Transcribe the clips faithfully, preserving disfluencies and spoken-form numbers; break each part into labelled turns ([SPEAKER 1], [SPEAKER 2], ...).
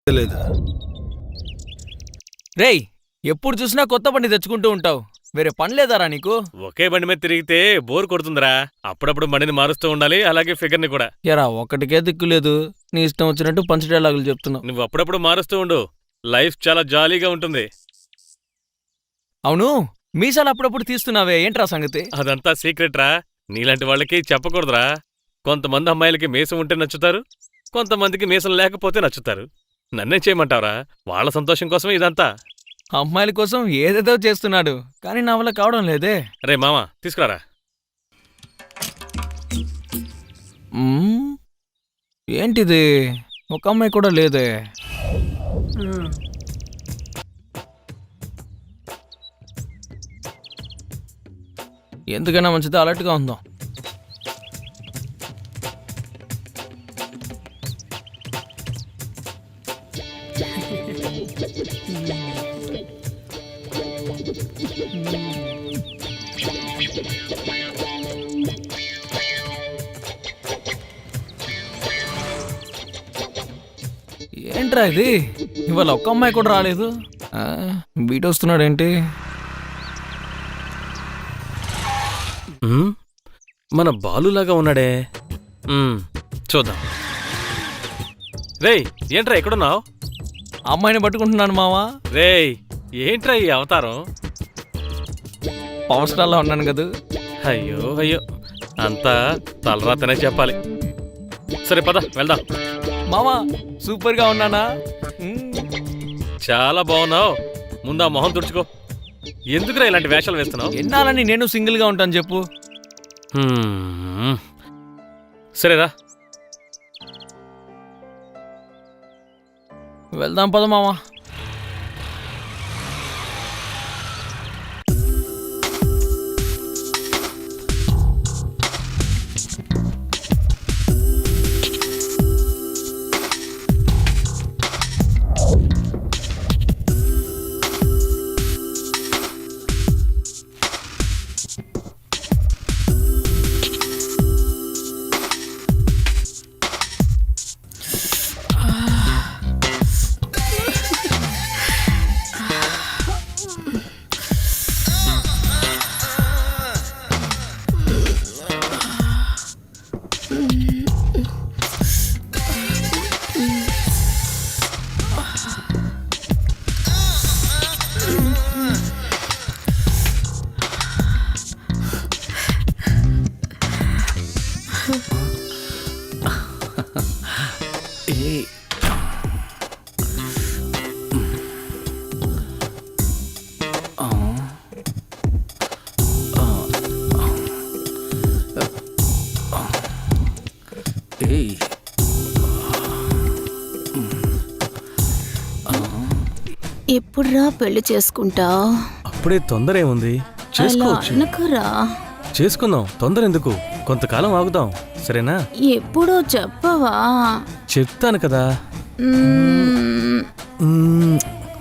[SPEAKER 1] లేదు.
[SPEAKER 2] రేయ్, ఎప్పుడు చూసినా కొత్త బండి తెచ్చుకుంటూ ఉంటావు, వేరే పని లేదారా నీకు?
[SPEAKER 3] ఒకే బండి మీద తిరిగితే బోర్ కొడుతుందిరా. అప్పుడప్పుడు బండిని మారుస్తూ ఉండాలి, అలాగే ఫిగర్ని కూడా.
[SPEAKER 2] ఎరా ఒక్కటికే దిక్కులేదు, నీ ఇష్టం వచ్చినట్టు పంచ డైలాగులు చెప్తున్నావు.
[SPEAKER 3] నువ్వు అప్పుడప్పుడు మారుస్తూ ఉండు, లైఫ్ చాలా జాలీగా ఉంటుంది.
[SPEAKER 2] అవును, మీసాలు అప్పుడప్పుడు తీస్తున్నావే, ఏంట్రా సంగతి?
[SPEAKER 3] అదంతా సీక్రెట్ రా, నీలాంటి వాళ్ళకి చెప్పకూడదురా. కొంతమంది అమ్మాయిలకి మీసం ఉంటే నచ్చుతారు, కొంతమందికి మీసం లేకపోతే నచ్చుతారు. నన్నే చేయమంటావరా? వాళ్ళ సంతోషం కోసమే ఇదంతా.
[SPEAKER 2] అమ్మాయిల కోసం ఏదేదో చేస్తున్నాడు, కానీ నా వల్ల కావడం లేదే.
[SPEAKER 3] రే మామా, తీసుకురారా.
[SPEAKER 2] మ్మ్, ఏంటిది, ఒక అమ్మాయి కూడా లేదే. ఎందుకైనా మంచిది, అలర్ట్గా ఉందాం. ఏంట్రా ఇది, ఇవాళ ఒక్క అమ్మాయి కూడా రాలేదు. బీట్ వస్తున్నాడేంటి?
[SPEAKER 3] ఉమ్, మన బాలులాగా ఉన్నాడే. ఉమ్, చూద్దాం. రేయ్, ఏంట్రా ఎక్కడున్నావు?
[SPEAKER 2] అమ్మాయిని పట్టుకుంటున్నాను మావా.
[SPEAKER 3] రేయ్, ఏంట్రా ఈ అవతారం?
[SPEAKER 2] పవర్ స్టార్లా ఉన్నాను కదా.
[SPEAKER 3] అయ్యో అయ్యో, అంతా తలరాతనే చెప్పాలి. సరే పద వెళ్దాం.
[SPEAKER 2] మావా సూపర్ గా ఉన్నానా?
[SPEAKER 3] చాలా బాగున్నావు. ముందు ఆ మొహం తుడుచుకో. ఎందుకురా ఇలాంటి వేషాలు వేస్తున్నావు?
[SPEAKER 2] ఎన్నాలని నేను సింగిల్ గా ఉంటాను చెప్పు.
[SPEAKER 3] హ్మ్, సరేరా
[SPEAKER 2] వెళ్దాం పద మావా.
[SPEAKER 4] ఎప్పుడురా పెళ్లి చేసుకుంటావు?
[SPEAKER 3] అప్పుడే తొందర ఏముంది, చేసుకోవచ్చు.
[SPEAKER 4] అనుకురా,
[SPEAKER 3] చేసుకుందాం, తొందర ఎందుకు, కొంతకాలం ఆగుదాం, సరేనా?
[SPEAKER 4] ఎప్పుడో చెప్పవా?
[SPEAKER 3] చెప్తాను కదా.
[SPEAKER 4] మ్మ్.
[SPEAKER 3] మ్మ్.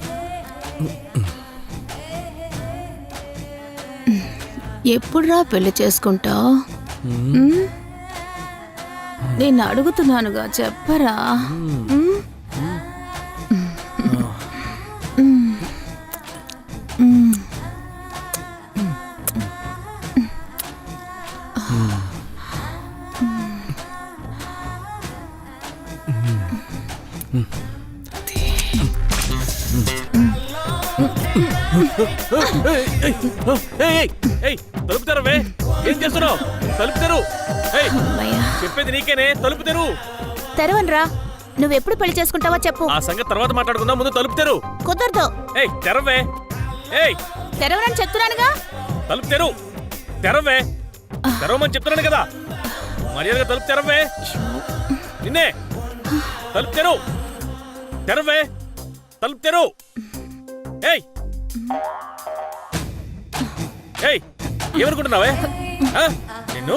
[SPEAKER 4] ఎప్పుడురా పెళ్లి చేసుకుంటావు? నేను అడుగుతున్నానుగా, చెప్పరా? మ్మ్?
[SPEAKER 3] తలుపు తెరవే, ఏం చేస్తున్నావు? తలుపు తెరు. చెప్పేది నీకేనే, తలుపు తెరు.
[SPEAKER 4] తెరవనరా. నువ్వెప్పుడు పెళ్లి చేసుకుంటావో చెప్పు.
[SPEAKER 3] ఆ సంగతి తర్వాత మాట్లాడుకుందాం, ముందు తలుపు తెరు.
[SPEAKER 4] కుదరదు.
[SPEAKER 3] ఏయ్ తెరవే. ఏయ్
[SPEAKER 4] తెరవనని చెప్తున్నానుగా.
[SPEAKER 3] తలుపు తెరు. తెరవే. తెరవమని చెప్తున్నాను కదా, మర్యాదగా తలుపు తెరవే. నిన్నే. తలుపు తెరు. తెరవే. తలుపు తెరు. ఏయ్ ఏయ్ ఏమనుకుంటున్నావే నిన్ను?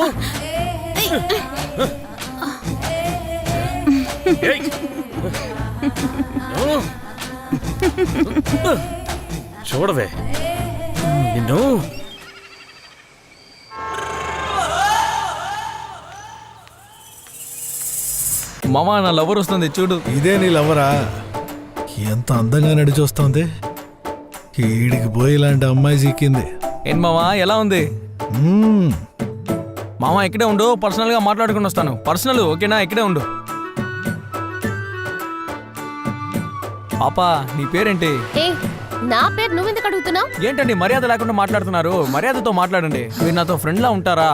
[SPEAKER 3] చూడవే నిన్ను.
[SPEAKER 2] మామా, నా లవర్ వస్తుంది చూడు.
[SPEAKER 1] ఇదే నీ లవరా? ఎంత అందంగా నడి చూస్తోంది. ఈడికి పోయి ఇలాంటి అమ్మాయి చిక్కింది.
[SPEAKER 2] ఏం మావా ఎలా ఉంది?
[SPEAKER 1] మ్మ్.
[SPEAKER 2] మామ ఇక్కడే ఉండు, పర్సనల్ గా మాట్లాడుకుని వస్తాను. పర్సనల్ ఓకేనా? ఇక్కడే ఉండు. పాపా నీ పేరేంటి?
[SPEAKER 4] ఏ నా పేరు నువ్వెందుకు అడుగుతున్నావు?
[SPEAKER 2] ఏంటండి మర్యాద లేకుండా మాట్లాడుతున్నారు? మర్యాదతో మాట్లాడండి. మీరు నాతో ఫ్రెండ్ లా ఉంటారా?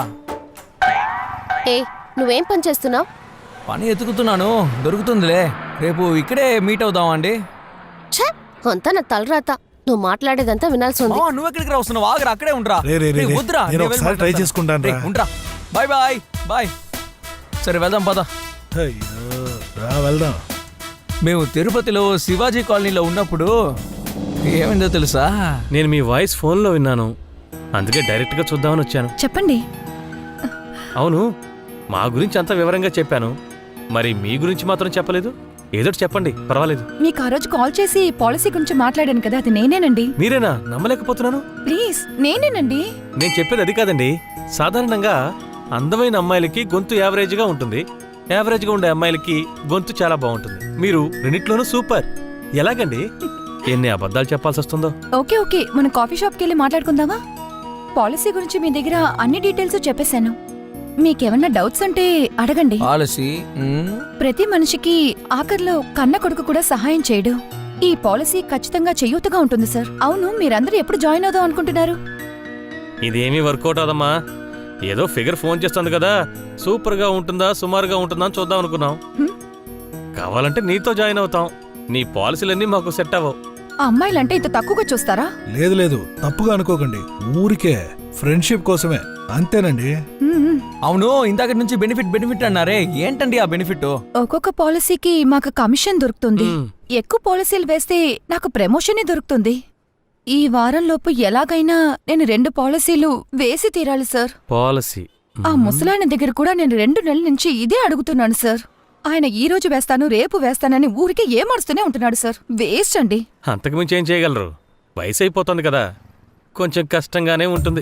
[SPEAKER 4] ఏ నువ్వేం పని చేస్తున్నావు?
[SPEAKER 2] పని ఎతుకుతున్నాను, దొరుకుతుందిలే. రేపు ఇక్కడే మీట్ అవుదామా అండి?
[SPEAKER 4] ఛే అంతా నా తలరాత. నువ్వు మాట్లాడేదంతా వినాల్సి ఉంది.
[SPEAKER 2] మావా, నువ్వు ఎక్కడికి రా వస్తున్నావు? ఆగరా, అక్కడే ఉండరా.
[SPEAKER 1] రే, రే, రే,
[SPEAKER 2] రేయ్,
[SPEAKER 1] రే.
[SPEAKER 2] వద్దురా,
[SPEAKER 1] నేను
[SPEAKER 2] నేను
[SPEAKER 1] ఒకసారి
[SPEAKER 2] వెళ్ళి
[SPEAKER 1] ట్రై
[SPEAKER 2] మాట్లాడతాను.
[SPEAKER 1] చేసుకుంటాను రా.
[SPEAKER 2] రేయ్, ఉండరా. Bye bye bye. సరే వెళ్దాం పద.
[SPEAKER 1] అయ్యో, రా వెళ్దాం.
[SPEAKER 2] మేము తిరుపతిలో శివాజీ కాలనీలో ఉన్నప్పుడు ఏమైందో తెలుసా?
[SPEAKER 3] నేను మీ వాయిస్ ఫోన్లో విన్నాను, అందుకే డైరెక్ట్గా చూద్దామని వచ్చాను.
[SPEAKER 5] చెప్పండి.
[SPEAKER 3] అవును, మా గురించి అంత వివరంగా చెప్పాను, మరి మీ గురించి మాత్రం చెప్పలేదు. ఏదోటి చెప్పండి, పర్వాలేదు.
[SPEAKER 5] మీకు ఆ రోజు కాల్ చేసి పాలసీ గురించి మాట్లాడాను కదా, అది నేనేనండి.
[SPEAKER 3] మీరేనా? నమ్మలేకపోతున్నాను.
[SPEAKER 5] ప్లీజ్ నేనేనండి.
[SPEAKER 3] నేను చెప్పేది అది కాదండి. సాధారణంగా అందమైన అమ్మాయిలకి గొంతు యావరేజ్గా ఉంటుంది, యావరేజ్గా ఉండే అమ్మాయిలకి గొంతు చాలా బాగుంటుంది. మీరు రెండిట్లోనూ సూపర్. ఎలాగండి ఎన్ని అబద్ధాలు చెప్పాల్సి వస్తుందో?
[SPEAKER 5] ఓకే ఓకే మనం కాఫీ షాప్కి వెళ్ళి మాట్లాడుకుందామా? పాలసీ గురించి మీ దగ్గర అన్ని డీటెయిల్స్ చెప్పేశాను. మీకేమన్నా డౌట్స్ ఉంటే అడగండి.
[SPEAKER 2] పాలసీ మ్మ్.
[SPEAKER 5] ప్రతి మనిషికి ఆఖర్లో కన్న కొడుకు కూడా సహాయం చేయడు. ఈ పాలసీ ఖచ్చితంగా చేయూతగా ఉంటుంది సార్. అవును, మీరందరూ ఎప్పుడు జాయిన్ అవుదాం అనుకుంటున్నారు?
[SPEAKER 3] ఇదేమీ వర్కౌట్ అవదమ్మా. ఏదో ఫిగర్ ఫోన్ చేస్తుంది కదా, సూపర్గా ఉంటుందా సుమారుగా ఉంటుందా అని చూద్దాం అనుకున్నాం.
[SPEAKER 5] హ్మ్.
[SPEAKER 3] కావాలంటే నీతో జాయిన్ అవుతాం. నీ పాలసీలన్నీ మాకు సెట్ అవ్వవు.
[SPEAKER 5] ఆ అమ్మాయిలంటే ఇంత తక్కువగా చూస్తారా?
[SPEAKER 1] లేదు లేదు, తప్పుగా అనుకోకండి. ఊరికే ఫ్రెండ్షిప్ కోసమే, అంతేనండి.
[SPEAKER 5] మ్మ్.
[SPEAKER 2] అవును, ఇందాక నుంచి బెనిఫిట్ బెనిఫిట్ అన్నారే, ఏంటండి ఆ బెనిఫిట్?
[SPEAKER 5] ఒక్కొక్క పాలసీకి మాకు కమిషన్ దొరుకుతుంది.
[SPEAKER 3] మ్మ్.
[SPEAKER 5] ఎక్కువ పాలసీలు వేస్తే నాకు ప్రమోషనే దొరుకుతుంది. ఈ వారంలోపు ఎలాగైనా నేను రెండు పాలసీలు వేసి తీరాలి సార్.
[SPEAKER 3] పాలసీ
[SPEAKER 5] ఆ ముసలాయన దగ్గర కూడా నేను రెండు నెలల నుంచి ఇదే అడుగుతున్నాను సార్. ఆయన ఈ రోజు వేస్తాను రేపు వేస్తానని ఊరికే ఏమరుస్తూనే ఉంటున్నాడు సార్. వేస్ట్ అండి.
[SPEAKER 3] అంతకుమించి ఏం చేయగలరు? వయసు అయిపోతుంది కదా, కొంచెం కష్టంగానే ఉంటుంది.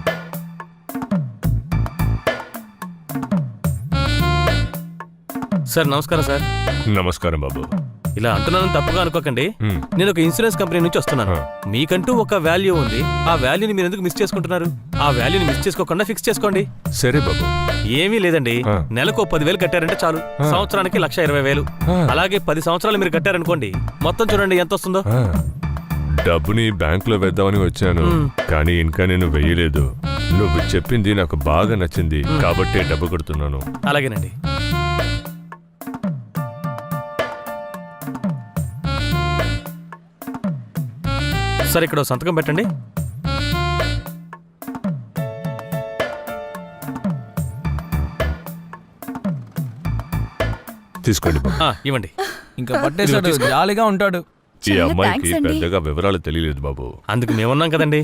[SPEAKER 3] సార్ నమస్కారం సార్.
[SPEAKER 6] నమస్కారం బాబు.
[SPEAKER 3] ఇలా అంటున్నాను తప్పుగా అనుకోకండి.
[SPEAKER 6] మ్మ్.
[SPEAKER 3] నేను ఒక ఇన్సూరెన్స్ కంపెనీ నుంచి వస్తున్నాను.
[SPEAKER 6] ఆ.
[SPEAKER 3] మీకంటూ ఒక వాల్యూ ఉంది. ఆ వాల్యూని మీరు ఎందుకు మిస్ చేసుకుంటున్నారు? ఆ వాల్యూని మిస్ చేసుకోకుండా ఫిక్స్ చేసుకోండి.
[SPEAKER 6] సరే బాబు.
[SPEAKER 3] ఏమీ లేదండి,
[SPEAKER 6] ఆ.
[SPEAKER 3] నెలకు పదివేలు కట్టారంటే చాలు,
[SPEAKER 6] ఆ.
[SPEAKER 3] సంవత్సరానికి లక్ష ఇరవై వేలు.
[SPEAKER 6] ఆ.
[SPEAKER 3] అలాగే పది సంవత్సరాలు మీరు కట్టారనుకోండి, మొత్తం చూడండి ఎంత వస్తుందో.
[SPEAKER 6] ఆ, డబ్బుని బ్యాంకులో వేద్దామని వచ్చాను,
[SPEAKER 3] మ్మ్.
[SPEAKER 6] కానీ ఇంకా నేను వెయ్యలేదు. నువ్వు చెప్పింది నాకు బాగా నచ్చింది,
[SPEAKER 3] మ్మ్.
[SPEAKER 6] కాబట్టే డబ్బు కడుతున్నాను.
[SPEAKER 3] అలాగేనండి. సరే, ఇక్కడ ఓ సంతకం పెట్టండి.
[SPEAKER 6] తీసుకోండి బాబు.
[SPEAKER 3] ఆ, ఇవ్వండి.
[SPEAKER 2] ఇంకా పట్టేశాడు, జాలీగా ఉంటాడు.
[SPEAKER 6] ఈ
[SPEAKER 5] చాలా
[SPEAKER 6] అమ్మాయికి
[SPEAKER 5] థాంక్స్ అండి.
[SPEAKER 6] పెద్దగా వివరాలు తెలియలేదు బాబు.
[SPEAKER 3] అందుకు మేమున్నాం కదండి.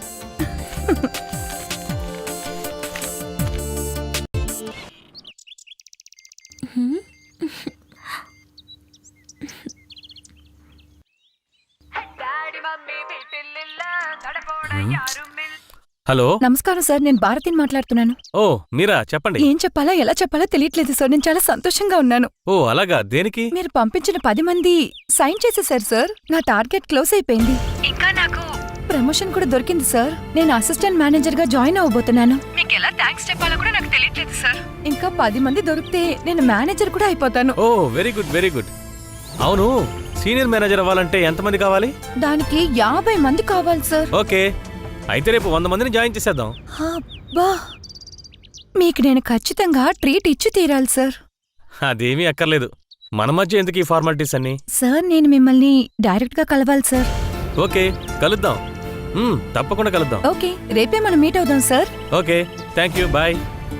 [SPEAKER 3] హలో.
[SPEAKER 5] నమస్కారం సార్, నేను భారతిని మాట్లాడుతున్నాను.
[SPEAKER 3] ఓ మీరా, చెప్పండి.
[SPEAKER 5] ఏం చెప్పాలా ఎలా చెప్పాలో తెలియట్లేదు సార్. నేను చాలా సంతోషంగా ఉన్నాను.
[SPEAKER 3] ఓ అలాగా, దేనికి?
[SPEAKER 5] మీరు పంపించిన పది మంది సైన్ చేసేసారు సార్. నా టార్గెట్ క్లోజ్ అయిపోయింది. ఇంకా నాకు ప్రమోషన్ కూడా దొరికింది సార్. నేను అసిస్టెంట్ మేనేజర్ గా జాయిన్ అవ్వబోతున్నాను. మీకు ఎలా థాంక్స్ చెప్పాలో కూడా నాకు తెలియట్లేదు సార్. ఇంకా పది మంది దొరికితే నేను మేనేజర్ కూడా అయిపోతాను.
[SPEAKER 3] Oh very good very good. అవును, సీనియర్ మేనేజర్ అవ్వాలంటే ఎంతమంది కావాలి?
[SPEAKER 5] దానికి యాభై మంది కావాలి సార్.
[SPEAKER 3] ఓకే, అయితే రేపు వంద మందిని జాయిన్ చేసేద్దాం.
[SPEAKER 5] అబ్బా, మీకు నేను ఖచ్చితంగా ట్రీట్ ఇచ్చి తీరాలి సార్.
[SPEAKER 3] అదేమీ అక్కర్లేదు, మన మధ్య ఎందుకు ఈ ఫార్మాలిటీస్ అన్ని?
[SPEAKER 5] సార్ నేను మిమ్మల్ని డైరెక్ట్ గా కలవాలి సార్.
[SPEAKER 3] ఓకే, కలుద్దాం. మ్మ్, తప్పకుండా కలుద్దాం.
[SPEAKER 5] ఓకే, రేపే మనం మీట్ అవుదాం sir.
[SPEAKER 3] Okay, thank you, bye.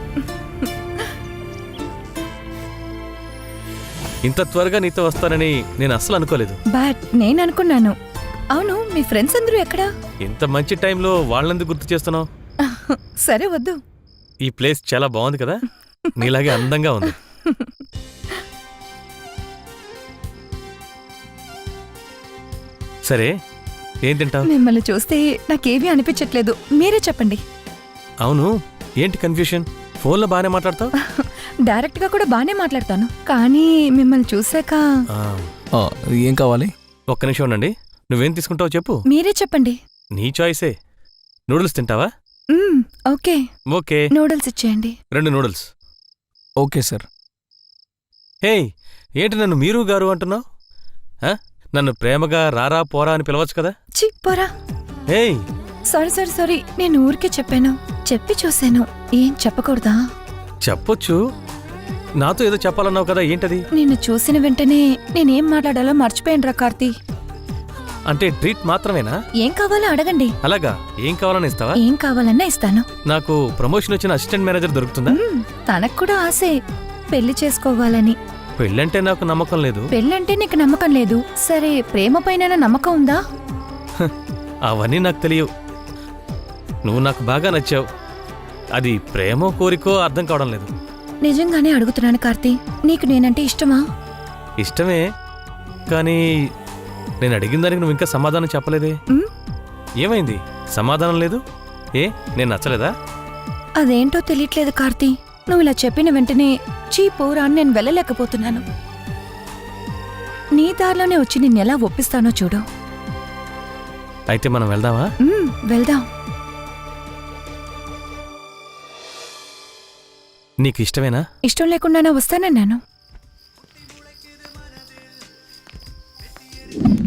[SPEAKER 3] ఇంత త్వరగా నీతో వస్తానని నేను అస్సలు అనుకోలేదు.
[SPEAKER 5] బట్ నేను అనుకున్నాను. అవును, మీ ఫ్రెండ్స్ అందరూ ఎక్కడా?
[SPEAKER 3] ఇంత మంచి టైంలో వాళ్ళందుకు గుర్తు చేస్తున్నావు?
[SPEAKER 5] సరే వద్దు.
[SPEAKER 3] ఈ ప్లేస్ చాలా బాగుంది కదా, నీలాగే అందంగా ఉంది. సరే, ఏం తింటావు?
[SPEAKER 5] మిమ్మల్ని చూస్తే నాకేమీ అనిపించట్లేదు, మీరే చెప్పండి.
[SPEAKER 3] అవును, ఏంటి కన్ఫ్యూషన్? ఫోన్లో బాగానే మాట్లాడతావు.
[SPEAKER 5] డైరెక్ట్ గా కూడా బానే మాట్లాడతాను, కానీ మిమ్మల్ని చూసాక
[SPEAKER 3] ఆ,
[SPEAKER 2] ఆ, ఏం కావాలి?
[SPEAKER 3] ఒక్క నిమిషం ఉండండి. నువ్వేం తీసుకుంటావో చెప్పు.
[SPEAKER 5] మీరే చెప్పండి.
[SPEAKER 3] నీ చాయిసే. నూడిల్స్ తింటావా?
[SPEAKER 5] మ్మ్, ఓకే
[SPEAKER 3] ఓకే,
[SPEAKER 5] నూడిల్స్ ఇచ్చేయండి.
[SPEAKER 3] రెండు నూడిల్స్.
[SPEAKER 2] Okay sir.
[SPEAKER 3] హేయ్, ఏంటి నన్ను మీరు గారు అంటున్నావు? ఆ? నన్ను ప్రేమగా రారా పోరా అని పిలవచ్చు కదా.
[SPEAKER 5] చి పోరా.
[SPEAKER 3] హేయ్,
[SPEAKER 5] సారీ సారీ సారీ నేను ఊరికే చెప్పాను. చెప్పి చూశాను. ఏం చెప్పకూడదా?
[SPEAKER 3] చెప్పొచ్చు. నాతో ఏదో చెప్పాలన్నావు కదా, ఏంటది?
[SPEAKER 5] నిన్ను చూసిన వెంటనే నేనేం మాట్లాడాలో మర్చిపోయానురా కార్తీ.
[SPEAKER 3] అంటే ట్రీట్ మాత్రమేనా?
[SPEAKER 5] ఏం కావాలో అడగండి.
[SPEAKER 3] అలాగా, ఏం కావాలని ఇస్తావా?
[SPEAKER 5] ఏం కావాలన్నా ఇస్తాను.
[SPEAKER 3] నాకు ప్రమోషన్ వచ్చిన అసిస్టెంట్ మేనేజర్ దొరుకుతుందా?
[SPEAKER 5] మ్మ్, తనకు కూడా ఆసే పెళ్లి చేసుకోవాలని.
[SPEAKER 3] పెళ్ళంటే నాకు నమ్మకం లేదు.
[SPEAKER 5] పెళ్ళంటే నీకు నమ్మకం లేదు. సరే, ప్రేమ పైన నమ్మకం ఉందా?
[SPEAKER 3] అవన్నీ నాకు తెలియవు. నువ్వు నాకు బాగా నచ్చావు. అది ప్రేమో కోరికో అర్థం కావడం లేదు.
[SPEAKER 5] నిజంగానే అడుగుతున్నాను కార్తీ, నీకు నేనంటే ఇష్టమా?
[SPEAKER 3] ఇష్టమే, కానీ నేను అడిగిన దానికి నువ్వు ఇంకా సమాధానం చెప్పలేదే.
[SPEAKER 5] మ్మ్?
[SPEAKER 3] ఏమైంది? సమాధానం లేదు. ఏ, నేను నచ్చలేదా?
[SPEAKER 5] అదేంటో తెలియట్లేదు కార్తీ. నువ్వు ఇలా చెప్పిన వెంటనే చీ పోరా అని నేను వెళ్ళలేకపోతున్నాను. నీ దారిలోనే వచ్చి నిన్నెలా ఒప్పిస్తానో చూడు.
[SPEAKER 3] అయితే మనం వెళ్దామా?
[SPEAKER 5] మ్మ్, వెళ్దాం.
[SPEAKER 3] నీకు ఇష్టమేనా?
[SPEAKER 5] ఇష్టం లేకుండానే వస్తానన్నాను.